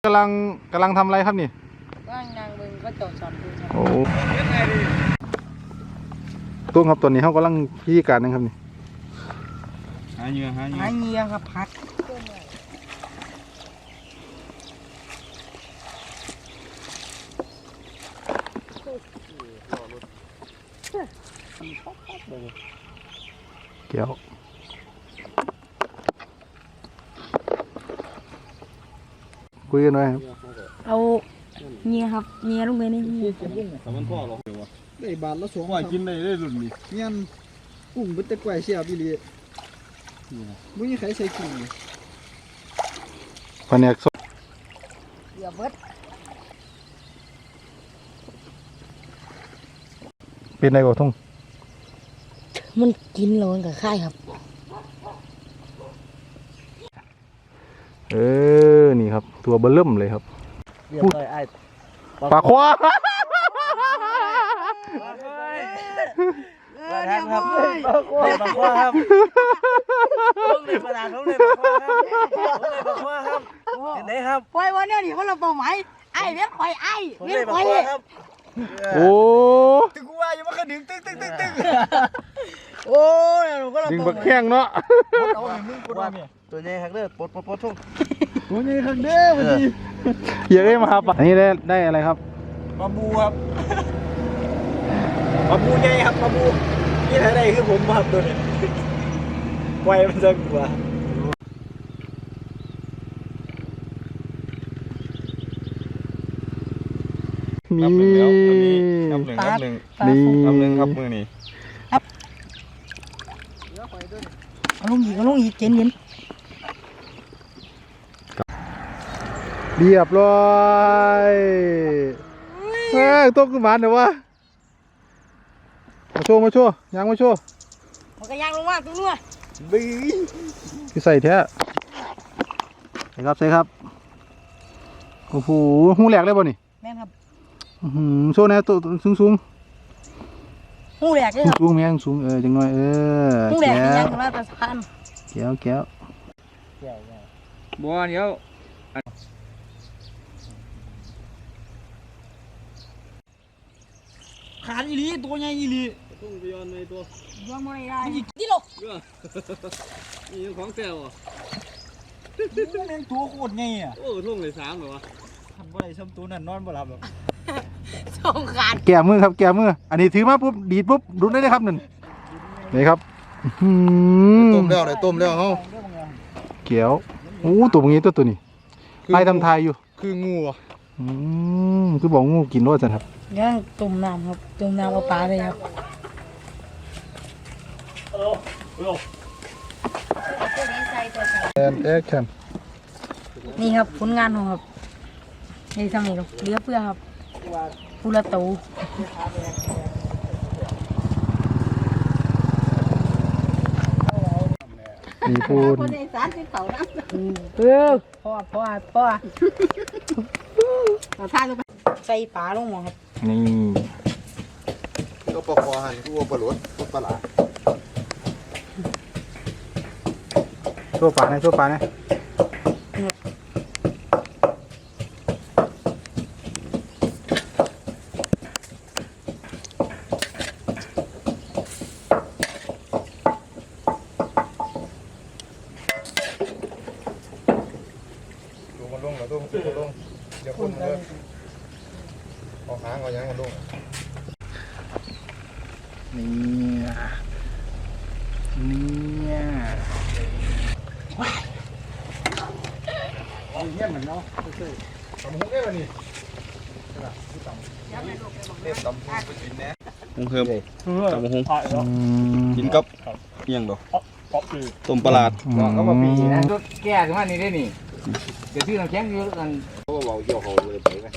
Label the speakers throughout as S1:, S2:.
S1: กำลังทำอะไรครับนี่
S2: ว่างนางมึงก็จอดสอนดูครับ
S1: โอ้ตุ้งครับตัวนี้เขากำลังพิธีการนะครับนี่
S3: หาเหยื่อ
S2: ครับพัก
S1: เกี่ยวคุยกันหน่อยครับ
S2: เอาเงียครับเงียลงไปนี่
S3: สมันพ่อหรอเดี๋ยววะ
S4: ได้บาทละ2
S3: ว่ากินได้รุ่นนี้
S4: เงี้ยกุ้งเป็นตะไคร้เสียบอีหลีมึงยังใครใส่กุ้ง
S1: แผนกสด
S2: เดี๋ยวเบิด
S1: เป็นไรบ่ทุ่ง
S2: มันกินแล้วมันก็ค่ายครับ
S1: นี่ครับตัวเบลเริ่มเลยครับ
S4: เรียบร้อยไอ้
S1: ปลาควา
S4: ปลาทางครับปลาควาครับต้องเลยปลาต้องเลยปลาควาครับต้องเลยปลาควาครับเห็นไหมครับ
S2: ปล่อยวันนี้นี่เขาเราเป้าหมายไอ้เลี้ยงควายไอ้เลี้ยงควาย
S1: โอ้
S4: ตึกว่าอยู่มันก็ดึงตึกโอ้ยก็เรา
S1: ดึงบักแข้งเนาะ
S4: เอาให้มึงกูเนี่ยตัวใหญ่ฮักเด้อปลดทุ่งตัวใหญ่ฮักเด้อวันนี้
S1: เยอะมาครับอันนี้ได้อะไรครับ
S4: ปลาบูครับปลาบูใหญ่ครับปลาบูนี่ไหนได้คือผมครับตัวนี้ไวมันจะกว่า
S1: นี่
S3: นับหนึ่ง
S1: นี่
S3: นับหนึ่งครับมือนี่
S2: เอาลงอีกเย็น
S1: เรียบร้อยต้มขึ้นมาเดี๋ยววะมาโชว์ยังมาโชว์
S2: มันก็ย่างลงมาตัวนู้น
S4: บี
S1: พี่ใส่แท้ใส่ครับโอ้โหหูแหลกเลยบ่นี่
S2: แม่ครับ
S1: โชว์แน่ตัวสูง
S2: หูแหลกเลยครับ
S1: สูงแม่งสูงจังหน่อย
S2: หูแหลกยังมาแต่สะพาน
S1: แก้ว
S3: บัวเดี๋ยว
S4: ขาดอีหลีตัวใหญ่อีหลี
S3: ทุ่งไปย้อนในตัว
S2: ย้อนมาได้ที่หลบ
S3: นี่ของแซวอ่ะ
S4: เลี้ยงตัวโคตรใหญ่อ่ะ
S3: โอ้ทุ่งเลย3เหรอวะ
S4: ทำบ่ได้ซ้ำตัวนั่นนอนบ่หลับหรอก
S2: สองขาด
S1: แก้มือครับแก้มืออันนี้ถือมาปุ๊บดีดปุ๊บรุดได้เลยครับนั่นนี่ครับ
S3: ต้มแล้วเฮา
S1: เกี่ยวโอ้ตัวนี้ตัวนี้ไล่ทำทายอยู่
S3: คืองูอ่ะ
S1: คือบอกงูกินรสจังครับ
S2: ย่างตุ่มน้ำครับตุ่มน้ำเอาปลาเลยครับ
S1: แอคชั่น
S2: นี่ครับผลงานของครับนี่ทำนี่ครับเลี้ยเพื่อครับปูละตู
S1: มีปูน
S2: คนในสารที่เขานะพ่อเอาท่าลงไปใส่ปลาลงหมดครับ
S1: นี่
S3: ก็ปลาควานกูปลาหลดปลาหลา
S1: ชั่วปลานะ
S3: ลงเดี๋ยวคนเลยเอาหางเอายังกันลง
S1: นี่
S4: เอาเยี่ยมเหมือนเนาะ
S3: ทำหุ้งได้ป่ะนี่เด็ดตำหุ้งไปกินแน่หุ้งเพิ่มตำหุ้งกินกับเอียงดอกต้มปลา
S4: ก็มาปีนะแก่ถึงว่านี่ได้นี่เดี๋ยวที่เราแข็งเยอะกัน
S3: เขาบอกเกี่ยวเขาเลยไปไหม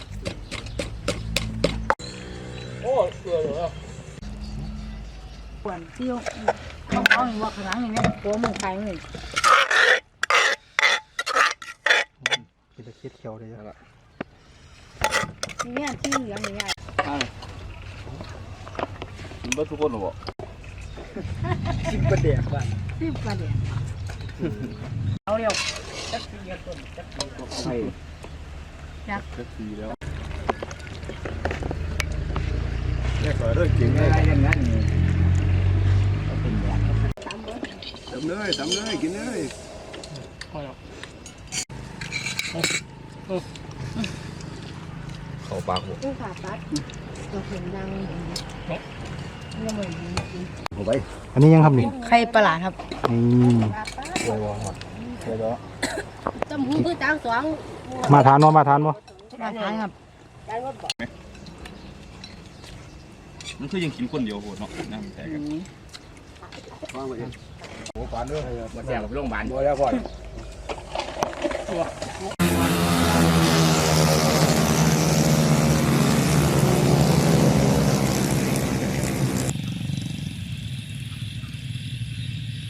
S4: โอ้เสือเหรอ
S2: ปวนเที่ยวเขาเห็นว่าข้างหลังอย่างเงี้ยตัวมึงใครมึง
S1: กินตะเคียนเขียวเลย
S3: ละ
S2: เนี่ยที่เหลืองอย่างเงี้ย
S3: กินบ้าทุกคนหรอ
S4: ชิมประเดี๋ยวบ้าน
S2: เอาเร็ว
S4: จักรยานต้นจักรยาน
S2: ยัก
S3: เจ็ดปีแล้ว
S1: แยกก่อนด้วยเก่งเลย
S4: อย่างนั้น
S1: ทำเลยกินเลย
S3: เข้าปากบ่
S5: ผู้ผ่าตัดตัวเสียงดังอย่างนี้ไม่เหมือนจริง
S1: อันนี้ยังครับนี่
S2: ไข่ประหลาดครับ
S5: จำหูคือจางสว่าง
S1: มาทานบ่
S2: มาทานครับ
S3: มันคือยังกินคนเดียวโหดเนาะน้ำแตกกัน
S4: มาแจกกับโรงพยาบาล
S1: บ่แล้วก่อน